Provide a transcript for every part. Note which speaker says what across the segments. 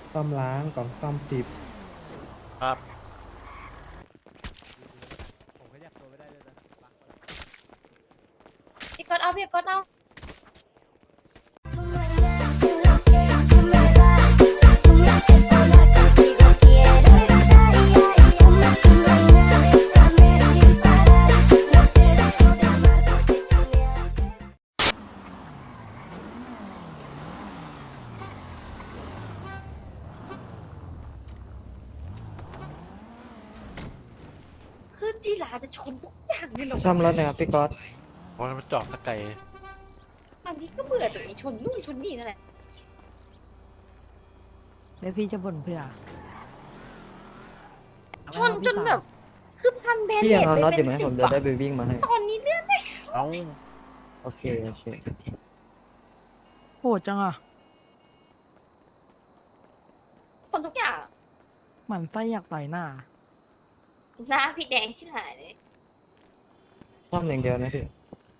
Speaker 1: ซ่อมล้างกล่องซ่อม10
Speaker 2: ครับ
Speaker 3: พี่ก๊อตเอาพี่ก๊อตเอาคือจีราจะชนทุกอย่างเลยเหรอ
Speaker 1: ซ่อมรถนะครับพี่ก๊อต
Speaker 2: เพราะมันจอดสกไกล
Speaker 3: อันนี้ก็เบื่อตัวเองชนนู่นชนนี่นั่นแหละ
Speaker 4: แล้วพี่จะบ่นเพื่อ
Speaker 3: ชนจนแบบ คือพันแบน
Speaker 1: พี่
Speaker 3: เด
Speaker 1: ยัง
Speaker 3: ด
Speaker 1: เอา
Speaker 3: ไป
Speaker 1: น็อตอ
Speaker 3: เป็
Speaker 1: ยู่
Speaker 3: น
Speaker 1: ไหม
Speaker 3: สิ
Speaker 1: ผ
Speaker 3: บ
Speaker 1: มจะ
Speaker 3: อะ
Speaker 1: ได้ไปวิ่งมาให้
Speaker 3: ตอนนี้เลือดไม่
Speaker 2: เอ้า
Speaker 1: โอเค
Speaker 4: โหดจังอ่ะ
Speaker 3: คนทุกอย่าง
Speaker 4: หมันไส้อยากต่อยหน้า
Speaker 3: หน้าพี่แดงชิบหายเลย
Speaker 1: ซ่อมอย่างเดียวนะพี่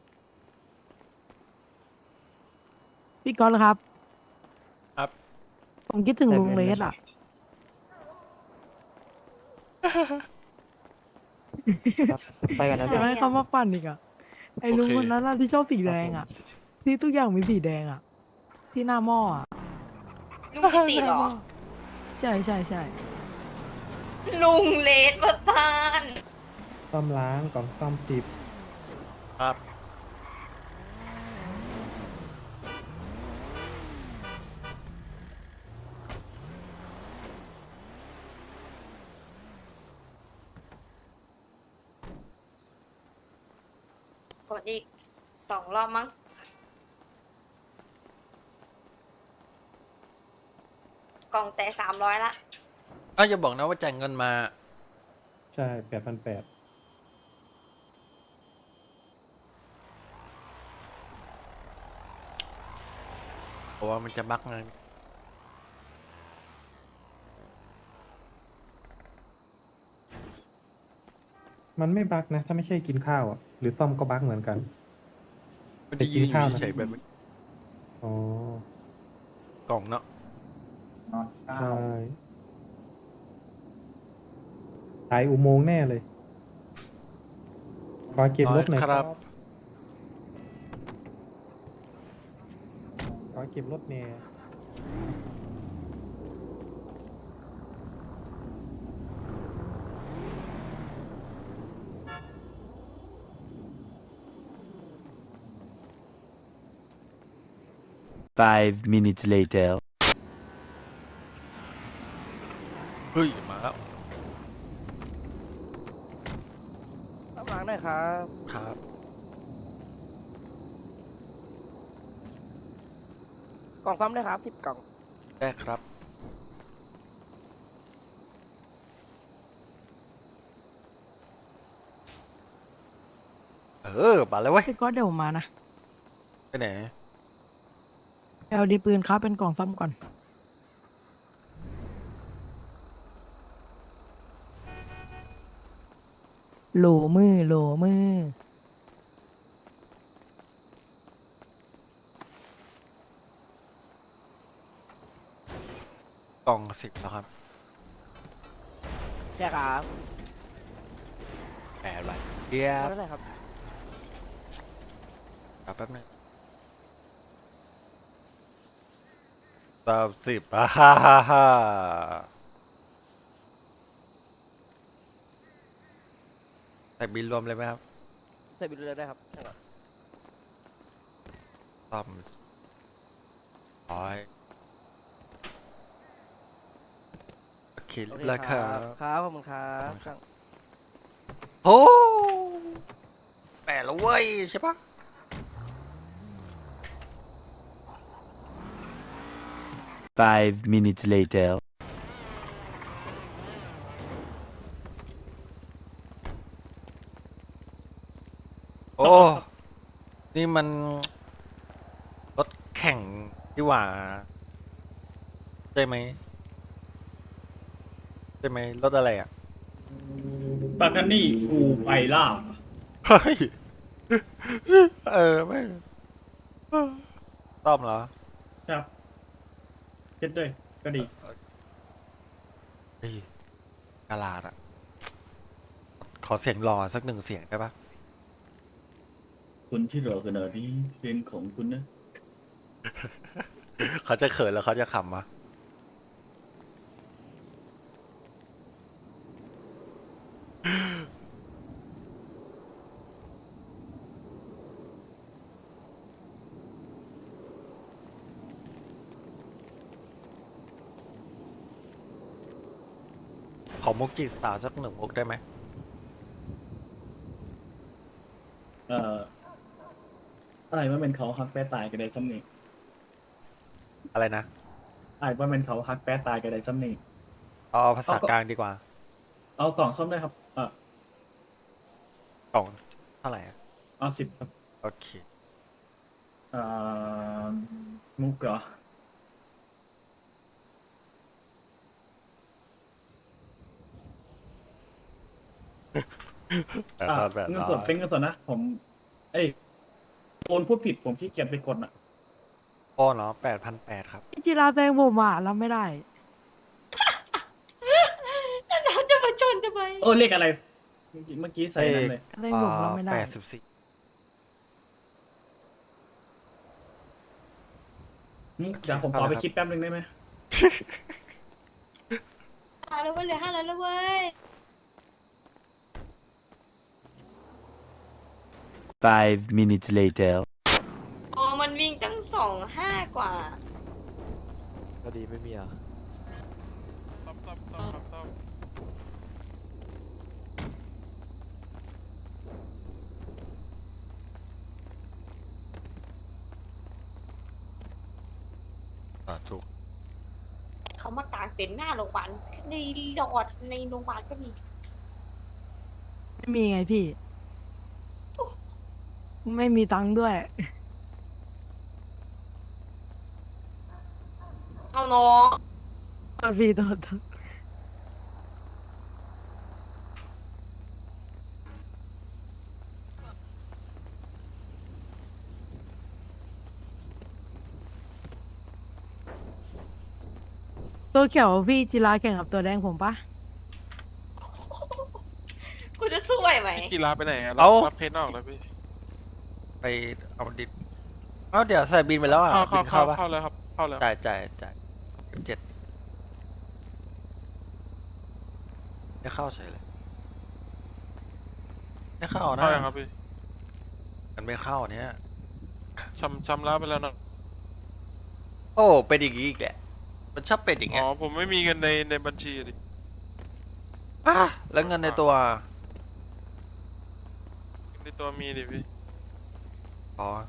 Speaker 4: พี่ก๊อตครับ
Speaker 2: ครับ
Speaker 4: ผมคิดถึงลุงเลสอ่ะ
Speaker 1: ครับไปกันนะ
Speaker 4: อ
Speaker 1: พี่
Speaker 4: ยากให้เขามาปั่นอีกอ่ะ ไอ้ลุงคนนั้นน่ะที่ชอบสีแดงอ่ะ ที่ทุกอย่างมีสีแดงอ่ะ ที่หน้าหม้ออ่ะ
Speaker 3: ลุงกิติเหรอ
Speaker 4: ใช่ใช่ใช่
Speaker 3: ลุงเลดมาฟาน
Speaker 1: ซ่อมล้างกล่องซ่อม10
Speaker 2: ครับ
Speaker 3: กดอีก2 รอบมั้ง กล่องแต่300ละ
Speaker 2: อ้าวอย่าบอกนะว่าจ่ายเงินมา
Speaker 1: ใช่8,800
Speaker 2: เพราะว่ามันจะบักไง
Speaker 1: มันไม่บั๊กนะ ถ้าไม่ใช่กินข้าวอ่ะ หรือซ่อมก็บั๊กเหมือนกัน
Speaker 2: มันจะยืน
Speaker 1: ไปกินข้าวนะ
Speaker 2: เฉยๆแบบ
Speaker 1: อ๋อก
Speaker 2: ล่องเนาะ
Speaker 1: ใช่สายอุโมงค์แน่เลยขอเก็บรถหน่อย
Speaker 2: ค
Speaker 1: ค
Speaker 2: รั
Speaker 1: รับ บขอเก็บรถแน่
Speaker 5: 5 minutes later.
Speaker 2: เฮ้ยมาแล้ว
Speaker 6: ข้างหลังหน่อยครับ
Speaker 2: ครับ
Speaker 6: กล่องซ้ำด้วยครับ10 กล่อง
Speaker 2: ได้ครับ มาแล้วเว้ย
Speaker 4: พี่ก๊อตเดี๋ยวผมมานะ
Speaker 2: ไปไหน
Speaker 4: เอาดีปืนครับเป็นกล่องซ้ำก่อน โหลมือโหลมือ
Speaker 2: กล่อง10แล้วครับ
Speaker 6: ใช่ครับ
Speaker 2: แปดใบเกีย
Speaker 6: เอา
Speaker 2: บ
Speaker 6: เท่าไหร่ครับ
Speaker 2: แป๊บนึง30ฮ่าฮ่าฮ่าใส่บินรวมเลยไหมครับ
Speaker 6: ใส่บิลเลยได้ครับใช่ครับ
Speaker 2: ซ่อมร้อยโอเค
Speaker 6: โอ
Speaker 2: เรียบ
Speaker 6: เค
Speaker 2: ร้อยครับ
Speaker 6: ครับขอบคุณครับ
Speaker 2: ครับ โอ้แปดแล้วเว้ยใช่ปะ
Speaker 5: 5 minutes later.
Speaker 2: โอ้ นี่มันรถแข่งดีกว่าใช่ไหมใช่ไหมรถอะไรอ่ะ
Speaker 7: ปากานี่กูไปล่า
Speaker 2: เฮ้ย ไม่ต้อมเหรอ
Speaker 7: ครับเจ็ดด้วยก็ดี
Speaker 2: เฮ้ยกาลาดอะขอเสียงรอสักหนึ่งเสียงได้ปะ
Speaker 7: คุณที่รอขนาดนี้เพลงของคุณนะ
Speaker 2: เขาจะเขินแล้วเขาจะขำวะ ขอมุกจีบสาวสักหนึ่งมุกได้ไหม
Speaker 7: เอ่ออะไรว่าเป็นเขาฮักแป้ตายกันได้ซ้ำนี่
Speaker 2: อะไรนะ
Speaker 7: อะไรว่าเป็นเขาฮักแป้ตายกันได้ซ้ำนี่
Speaker 2: เอาภาษากลางดีกว่า
Speaker 7: เอากล่องส้มได้ครับ
Speaker 2: กล่องเท่าไหร่อะ
Speaker 7: เอา10ครับ
Speaker 2: โอเค
Speaker 7: เอ่อมุกเหรอ
Speaker 2: แบบ
Speaker 7: เงินสดเป็นเงินสดนะผม เอ้ยโอนพูดผิดผมขี้เกียจไปกดอ่ะ
Speaker 2: โอ้เนาะ8,800ครับ
Speaker 4: กีฬาแซงผมอ่ะรับไม่ได้
Speaker 3: แล้วเราจะมาชนทำไม
Speaker 7: เออเลขอะไร เมื่อกี้ใส่นั้นเลย
Speaker 4: แซงผมรับไม่ได้
Speaker 2: 84
Speaker 7: เดี๋ยวผมขอไปคิดแป๊บนึงได้ไหม
Speaker 3: แล้วเว้ยเหลือ500แล้วเว้ย
Speaker 5: 5 minutes later.
Speaker 3: อ๋อมันวิ่งตั้ง25กว่า
Speaker 8: พอดีไม่มีอ่ะ
Speaker 2: ถูก
Speaker 3: เขามากางเต็นท์หน้าโรงพยาบาลในหลอดในโรงพยาบาลก็มี
Speaker 4: ไม่มีไงพี่ ไม่มีตังค์ด้วย
Speaker 3: เอาน้อง
Speaker 4: โทษพี่โทษตัวเขียวพี่จิราแข่งกับตัวแดงผมปะ
Speaker 3: กูจะสู้ไหวไหม
Speaker 9: กีฬาไปไหนอะ
Speaker 2: เอ้า
Speaker 9: รับเทนออกแล้วพี่
Speaker 2: ไปเอาดิบเอ้าเดี๋ยวใส่บินไปแล้วอ่ะ
Speaker 9: เข้า
Speaker 2: บิน
Speaker 9: เข้า
Speaker 2: เข้าปะ
Speaker 9: เข้าแล้วครับ เข้าแล้ว
Speaker 2: จ่าย7ไม่เข้าเฉยเลยไม่เข้านะ
Speaker 9: เข้ายังครับพี่
Speaker 2: มันไม่เข้าเนี่ย
Speaker 9: ชำระไปแล้วนะ
Speaker 2: โอ้เป็นอย่างนี้อีกแหละมันชอบเป็นอย่าง
Speaker 9: อ๋
Speaker 2: เงี้
Speaker 9: อย ผมไม่มีเงินในบัญชีอะดิ
Speaker 2: อ่ะแล้วเงินในตัว
Speaker 9: ในตัวมีดิพี่
Speaker 2: อ๋อ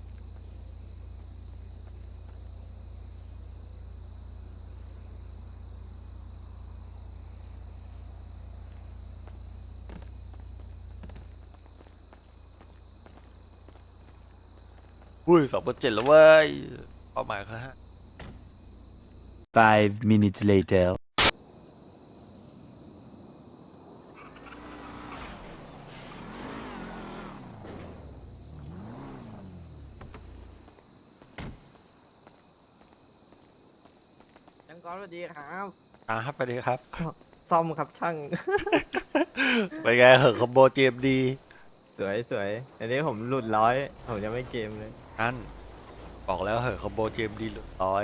Speaker 2: อุ้ย2,700แล้วเว้ยเป้าหมายคือ5
Speaker 5: 5 minutes later.
Speaker 6: ช่างก้อนสวัสดีครับ
Speaker 2: ครับไปดีครับ
Speaker 6: ซ่อมครับช่าง
Speaker 2: ไปไงเหอะคอมโบ GMD
Speaker 6: สวยสวยอันนี้ผมหลุดร้อยผมยังไม่เกมเลย
Speaker 2: นั่นบอกแล้วเหอะคอมโบ GMD หลุดร้อย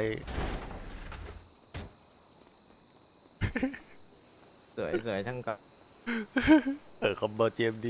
Speaker 6: สวยสวยช่างก้อน
Speaker 2: เหอะคอมโบ GMD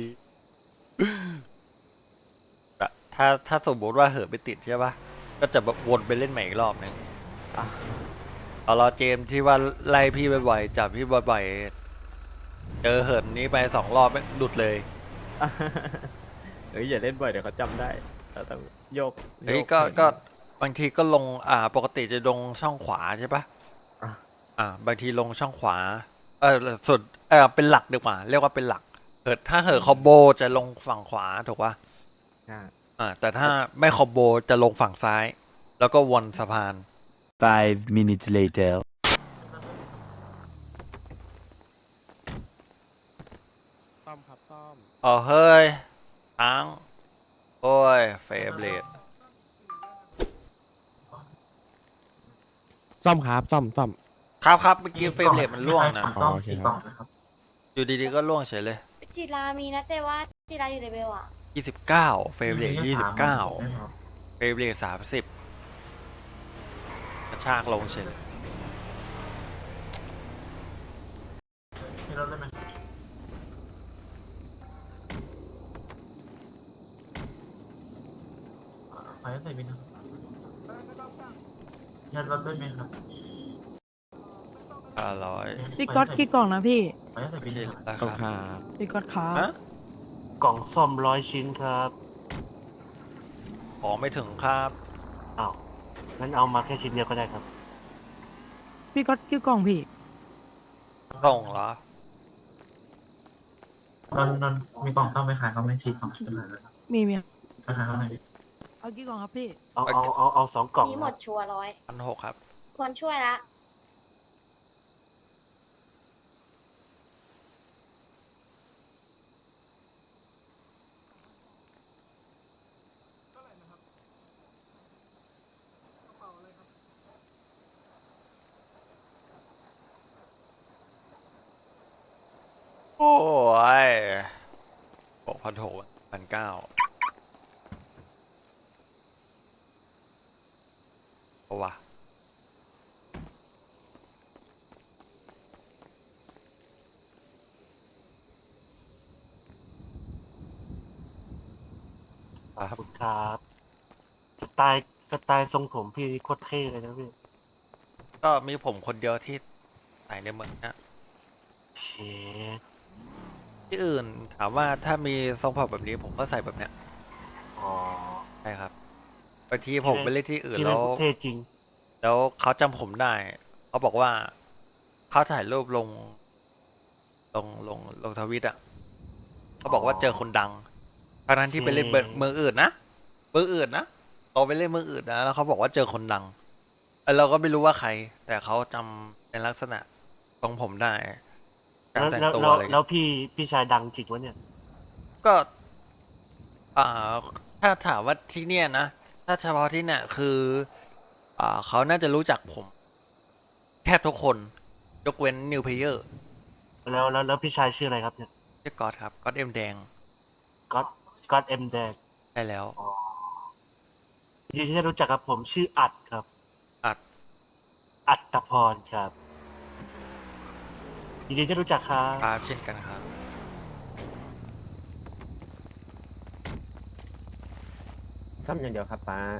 Speaker 2: อะถ้าสมมติว่าเหอะไปติดใช่ปะก็จะแบบวนไปเล่นใหม่อีกรอบนึงเอารอเจมส์ที่ว่าไล่พี่บ่อยๆจับพี่บ่อยๆเจอเหินนี้ไป2 รอบไม่หลุดเลย
Speaker 6: เฮ้ยอย่าเล่นบ่อยเดี๋ยวเขาจำได้เราต้องโยก
Speaker 2: เฮ้ย
Speaker 6: โย
Speaker 2: ก็บางทีก็ลงปกติจะลงช่องขวาใช่ปะ บางทีลงช่องขวาสุดเป็นหลักดีกว่าเรียกว่าเป็นหลักถ้าเหอะคอมโบจะลงฝั่งขวาถูกปะ
Speaker 6: อ่า
Speaker 2: แต่ถ้าไม่คอมโบจะลงฝั่งซ้าย แล้วก็วนสะพาน
Speaker 5: 5 minutes later.
Speaker 8: ซ่อมครับซ่อม
Speaker 2: เฮ้ยตั้งโอ้ยเฟเบรด
Speaker 8: ซ่อมครับซ่อม
Speaker 2: ครับเมื่อกี้เฟรมเรทมันร่วงนะ
Speaker 6: อ๋อโอเคครับ
Speaker 2: อยู่ดีๆก็ร่วงเฉยเลย
Speaker 3: จิรามีนะแต่ว่าจิราอยู่ในเบลอะ
Speaker 2: 29 เฟรมเรท29 เฟรมเรท30 กระชากลงเฉยเลย
Speaker 6: ให้รถได้ไหมไปใส่บินครับยัดรถได้ไหมครับ
Speaker 2: 500
Speaker 4: พี่ก๊อตกี่กล่องนะพี่
Speaker 6: ไปใส่
Speaker 2: โอ
Speaker 6: บิน
Speaker 2: เค
Speaker 6: ครับ
Speaker 2: แล้วครับ
Speaker 4: พี่ก๊อตครับ
Speaker 2: ฮะ
Speaker 10: กล่องซ่อม100 ชิ้นครับ
Speaker 2: ของไม่ถึงครับ
Speaker 10: อ้าวงั้นเอามาแค่ชิ้นเดียวก็ได้ครับ
Speaker 4: พี่ก๊อตกี่กล่องพี่
Speaker 2: ส่งเหรอ
Speaker 6: นนมีกล่องต้องไปขายเขาไม่ทีกล่องจะมาแล้วครับ
Speaker 4: มี
Speaker 6: ไปขายเขาไหนอยดิ
Speaker 4: เอากี่กล่องครับพี่
Speaker 10: เอา2 กล่อง
Speaker 3: มี
Speaker 10: ค
Speaker 3: หม
Speaker 10: รับ
Speaker 3: ดชัวร์ร้อย
Speaker 2: 1,600 ครับ
Speaker 3: ควรช่วยละ
Speaker 2: โอ้ย6,600 1,900เอาวะ
Speaker 10: ขอบคุณครับสไตล์ทรงผมพี่โคตรเท่เลยนะพี่
Speaker 2: ก็มีผมคนเดียวที่ใส่ในเมืองนะ
Speaker 10: เชด
Speaker 2: ที่อื่นถามว่าถ้ามีทรงผมแบบนี้ผมก็ใส่แบบเนี้ย
Speaker 10: อ๋อ
Speaker 2: ใช่ครับบางทีผมไปเล่นที่อื่น
Speaker 10: พี่
Speaker 2: แล้
Speaker 10: เล่น
Speaker 2: ว
Speaker 10: เท่จริง
Speaker 2: แล้วเขาจำผมได้ เขาบอกว่าเขาถ่ายรูปลงทวิตอ่ะเขาบอกว่าเจอคนดังทั้งที่ไปเล่นเมืองอื่นนะเมืองอื่นนะเราไปเล่นเมืองอื่นนะแล้วเขาบอกว่าเจอคนดังเราก็ไม่รู้ว่าใคร แต่เขาจำในลักษณะทรงผมได้การแต่งตัวอะไร
Speaker 10: แล้วพี่ชายดังจริงวะเนี่ย
Speaker 2: ก็ ถ้าถามว่าที่เนี่ยนะ ถ้าเฉพาะที่เนี่ยคือ เขาน่าจะรู้จักผม แทบทุกคน ยกเว้นนิวเพเยอร์
Speaker 10: แล้วพี่ชายชื่ออะไรครับเนี่ย
Speaker 2: ชื่อกอดครับกอดเอ็มแดง
Speaker 10: ก็อดเอ็มแดง
Speaker 2: ได้แล้ว
Speaker 10: ยินดีที่ได้รู้จักครับผมชื่ออัดครับ
Speaker 2: อัด
Speaker 10: อัตพรครับยินดีที่รู้จักครับ
Speaker 2: ครับเช่นกันครับ
Speaker 6: ซ่อมอย่างเดียวครับป้า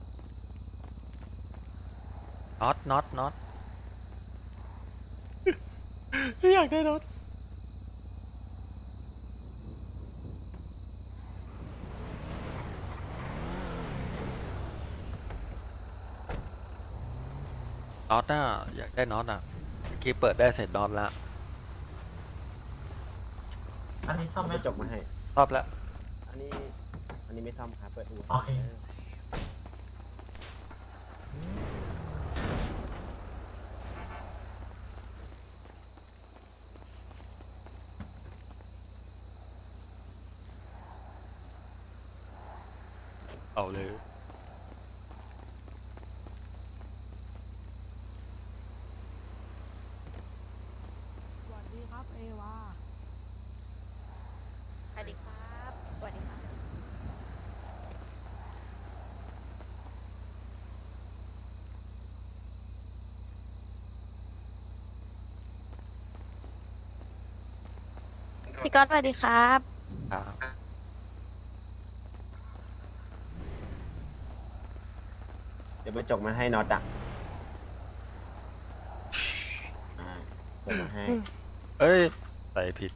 Speaker 2: น็อตอยากได้น็อตน่ะอยากได้น็อตอ่ะเมื่อกี้เปิดได้เสร็จน็อตแล้ว
Speaker 6: อันนี้ซ่อมไม่จบมาให้
Speaker 2: รอบแล้ว
Speaker 6: อันนี้ไม่ซ่อมครับเปิดอู่โอเค
Speaker 2: เอาเลย
Speaker 4: สวัสดีครับเอวา
Speaker 3: สวัสดีครับสวัสดีครับพี่ก๊อตสวัสดีครับ
Speaker 2: ครับ
Speaker 6: เดี๋ยวไปจกมาให้น็อตอ่ะจกมาให้
Speaker 2: เอ้ยใส่ผิด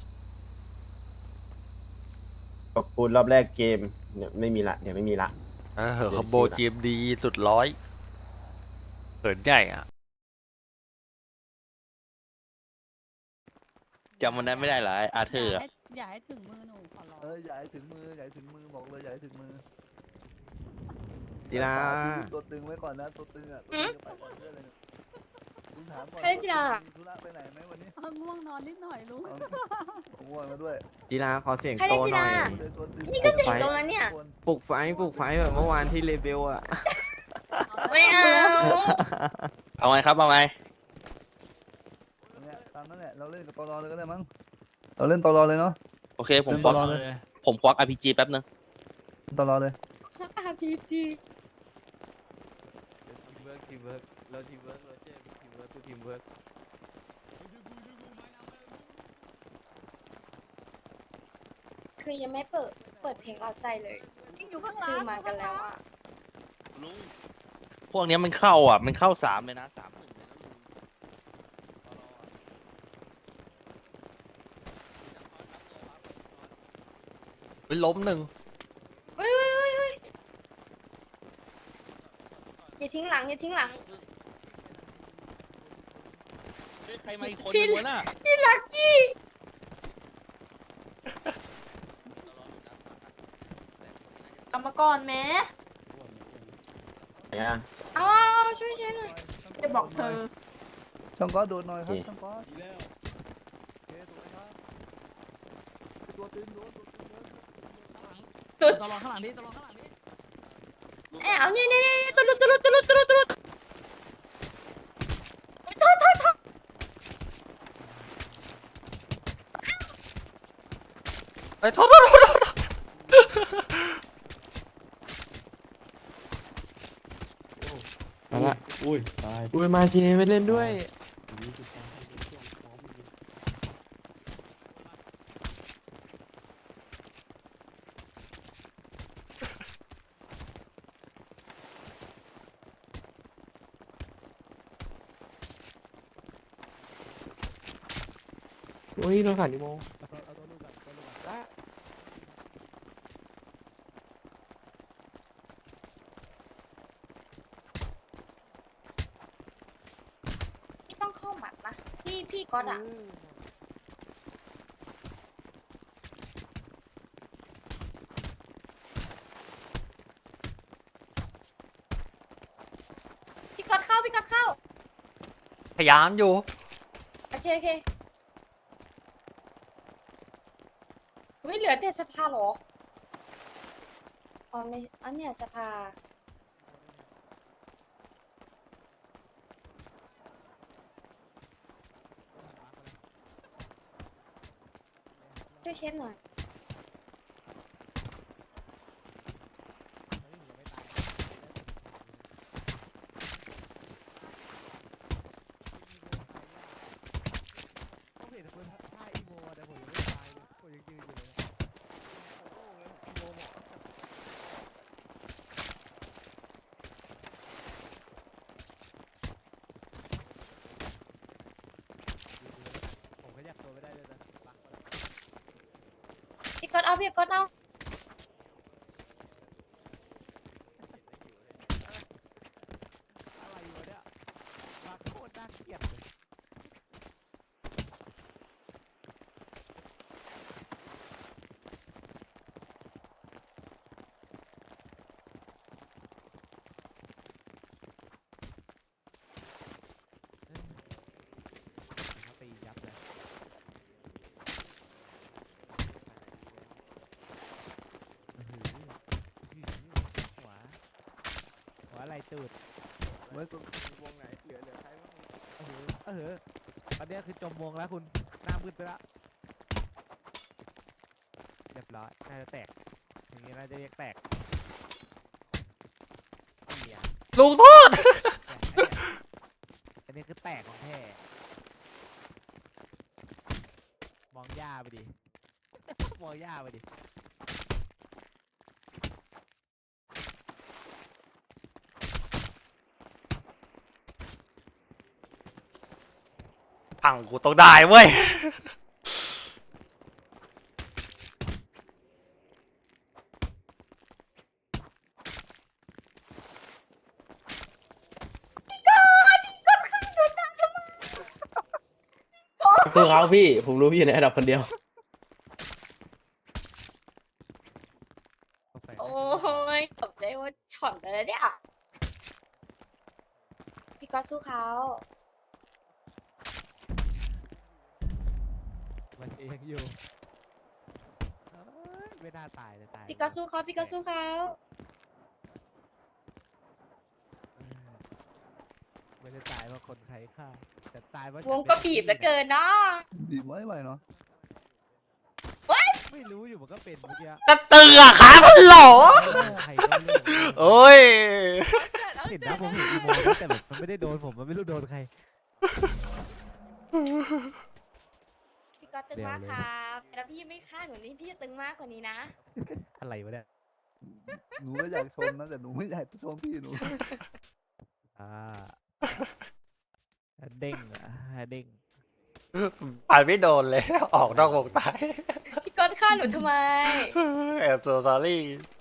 Speaker 6: จกปูนรอบแรกเกมเนี่ยไม่มีละเดี๋ยวไม่มีละ
Speaker 2: เหอะคอมโบจีมดีสุดร้อยเหินใหญ่อ่ะ
Speaker 8: จำวันนั้นไม่ได้เหรออาเธอร์
Speaker 11: อย่าให้ถึงมือหนูขอร้อง
Speaker 8: อย่าให้ถึงมือบอกเลยอย่าให้ถึงมือ
Speaker 6: ดีละ
Speaker 8: ตัวตึงไว้ก่อนนะตัวตึงอ่ะ
Speaker 3: หืม
Speaker 8: ไปก่อนเพื่อนเลยเนี่ยลุงถามก่อน
Speaker 3: ใครได้จีรา
Speaker 8: มีธุระไปไหนไหมวันนี้
Speaker 11: ง่วงนอนนิดหน่อยลุง
Speaker 8: ผมง่วงมาด้วย
Speaker 6: จีราขอเสียง
Speaker 3: ใครได้
Speaker 6: โต
Speaker 3: จี
Speaker 6: หน่
Speaker 3: รา
Speaker 6: อย
Speaker 8: เจอตัวตึง
Speaker 3: นี่ก็เสียงตรงนั้นเนี่ย
Speaker 6: ปลุกไฟแบบเมื่อวานที่เลเบลอ่ะ
Speaker 3: ไม่เอา
Speaker 8: เอาไงครับเอาไงามนั่นแหละเราเล่นกับตลอเลยก็ได้มั้งเราเล่นตลอเลยเนาะ
Speaker 6: โอเคผม
Speaker 8: เล่น
Speaker 6: ควัก
Speaker 8: ตลอเลย
Speaker 6: ผมควัก RPG แป๊บนึง
Speaker 8: ตลอเลย
Speaker 3: RPG
Speaker 6: ทีมเวิร์กเราทีมเวิร์กเราเจ๊ทีมเวิร์กคือทีมเวิร์ก
Speaker 3: คือยังไม่เปิดเพลงเอาใจเลย
Speaker 11: อยู่ข้างหลัง
Speaker 3: คือมากันแล้วอ่ะ
Speaker 6: ลุงพวกเนี้ยมันเข้าอ่ะมันเข้า3เลยนะ3-1เลยนะลุง
Speaker 2: เฮ้ยล้มหนึ่ง
Speaker 3: เฮ้ยอย่าทิ้งหลังอย่าทิ้งหลัง
Speaker 6: เฮ้ยใครมาอีกคนนึงวะน่ะ
Speaker 3: พี่ลักกี้
Speaker 11: เอามาก่อนแม่
Speaker 3: เอาช่วยหน่อย
Speaker 11: จะบอกเธอ
Speaker 8: ช่างก๊อตโดดหน่อยครับช่างก๊อตโอเคถูกไหมครับตัวตึงโดนตัวตึงโดน
Speaker 3: ตุด
Speaker 4: ตลอดข้างหลังนี้ตลอดข้างหลังนี้
Speaker 3: เอานี่ตุลุดโทษ
Speaker 2: ไอ้ยโทษ
Speaker 1: มาละอุ้ยตาย
Speaker 6: อุ้ยมาเชไม่เล่นด้วย อุ้ยโดนขันดิโม
Speaker 3: พี่ต้องเข้าหมัดนะพี่ก๊อตอ่ะพี่ก๊อตเข้า
Speaker 2: พยายามอยู่
Speaker 3: โอเคไม่เหลือแต่สภาเหรออ๋อไม่อันเนี้ยสภาช่วยเชฟหน่อย พี่ก๊อตเอา
Speaker 6: อะไรตูด
Speaker 8: ไว้ตัว
Speaker 6: วงไหนเหลือใครบ้างตอนนี้คือจมวงแล้วคุณหน้ามืดไปแล้วเรียบร้อยน่าจะแตกอย่างนี้น่าจะเรียกแตก
Speaker 2: ลุงโทษ
Speaker 6: อันนี้คือแตกของแท้มองย่าไปดิ มองย่าไปดิ
Speaker 2: พังกูต้องได้เว้ย
Speaker 10: สู้เขาพี่ ผมรู้พี่อยู่ในอันดับคนเดียว
Speaker 3: โอ้ยตบได้ว่าช็อตเลยเนี่ยพี่ก๊อตสู้เขา
Speaker 6: มันเองอยู่ไม่น่าตายเลยตาย
Speaker 3: พี่ก๊อตสู้เขา
Speaker 6: ไมได้ตายเพราะคนใครฆ่าแต่ตายเพราะ
Speaker 3: วงก็บีบเหลือเกินเนาะ
Speaker 8: บีบไว้ไว้เนาะ
Speaker 6: ไม่รู้อยู่มันก็เป็นเมื่อกี้
Speaker 2: ก็ตึงอะขามันหลอ
Speaker 6: ใครก็เลือก
Speaker 2: โอ้ย
Speaker 6: เห็นนะผมเห็นอีโมนะแต่แบบมันไม่ได้โดนผมมันไม่รู้โดนใคร
Speaker 3: พี่ก็ตึงมากครับแล้วพี่ไม่ฆ่าหนูนี่พี่จะตึงมากกว่านี้นะ
Speaker 6: อะไรวะเนี่ย
Speaker 8: หนูก็อยากชมนะแต่หนูไม่อยากชมพี่หนู
Speaker 6: อ่าเด้งอ่ะเด้ง
Speaker 2: ผ่านไม่โดนเลย ออกนอกวงตาย
Speaker 3: พี่ก็ฆ่าหนูทำไม
Speaker 2: แอบโซซอรี่